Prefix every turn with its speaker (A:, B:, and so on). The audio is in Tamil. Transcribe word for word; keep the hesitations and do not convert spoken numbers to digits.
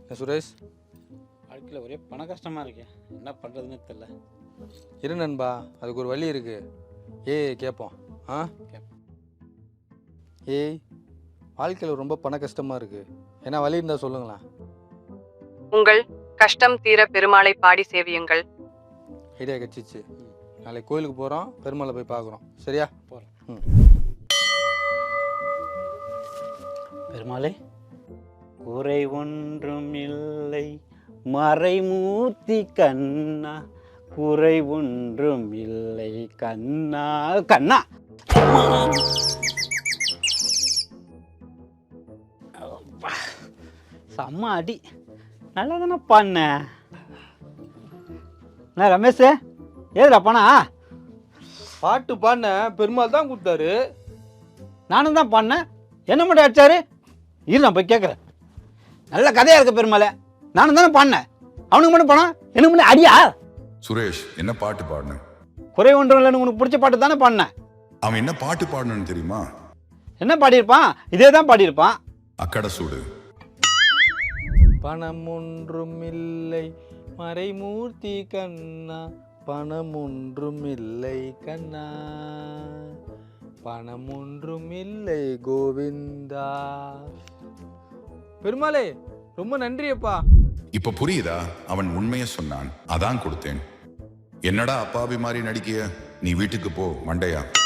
A: சுரேஷ்,
B: வாழ்க்கையில் ஒரே பண கஷ்டமாக இருக்கேன், என்ன பண்ணுறதுன்னு தெரில.
A: இரு நண்பா, அதுக்கு ஒரு வழி இருக்கு. ஏய் கேட்போம். ஆ
B: கேட்போம்.
A: ஏய், வாழ்க்கையில் ரொம்ப பண கஷ்டமாக இருக்கு, என்ன வழி இருந்தால் சொல்லுங்களேன்.
C: உங்கள் கஷ்டம் தீர பெருமாளை பாடி சேவியுங்கள்.
A: ஐடியா கிடச்சிச்சு. நாளைக்கு கோயிலுக்கு போகிறோம், பெருமாளை போய் பார்க்குறோம். சரியா?
B: போகிறோம்.
A: ம்.
B: பெருமாளே, குறை ஒன்றும் இல்லை மறைமூர்த்தி கண்ணா, குறை ஒன்றும் இல்லை கண்ணா கண்ணா. செம்ம அடி, நல்லா தானே பண்ண. என்ன ரமேஷ், ஏதுடா பணா?
A: பாட்டு பாடின பெருமாள் தான் கொடுத்தாரு.
B: நானும் தான் பண்ணேன், என்ன மட்டும் அடிச்சாரு? இரு நான் போய் கேட்குறேன். நல்ல கதையா இருக்க பெருமாளே, நானும் தானே பண்ணேன், அவனுக்கு மட்டும் பணம், எனக்கு மட்டும் அடியா?
D: சுரேஷ், என்ன பாட்டு பாடின?
B: குறை ஒன்றும் இல்லைன்னு உனக்கு பிடிச்ச பாட்டு தானே பண்ணேன்.
D: அவன் என்ன பாட்டு பாடணும்னு தெரியுமா?
B: என்ன பாடியிருப்பான்? இதே தான் பாடியிருப்பான்.
D: அக்கடை சூடு.
A: பணம் ஒன்றும் இல்லை மறைமூர்த்தி கண்ணா, பணம் ஒன்றும் இல்லை கண்ணா, பணம் ஒன்றும் இல்லை கோவிந்தா. பெருமாளே, ரொம்ப நன்றியப்பா.
D: இப்ப புரியுதா? அவன் உண்மையை சொன்னான், அதான் கொடுத்தேன். என்னடா அப்பாவி மாதிரி நடிக்கிய? நீ வீட்டுக்கு போ மண்டையா.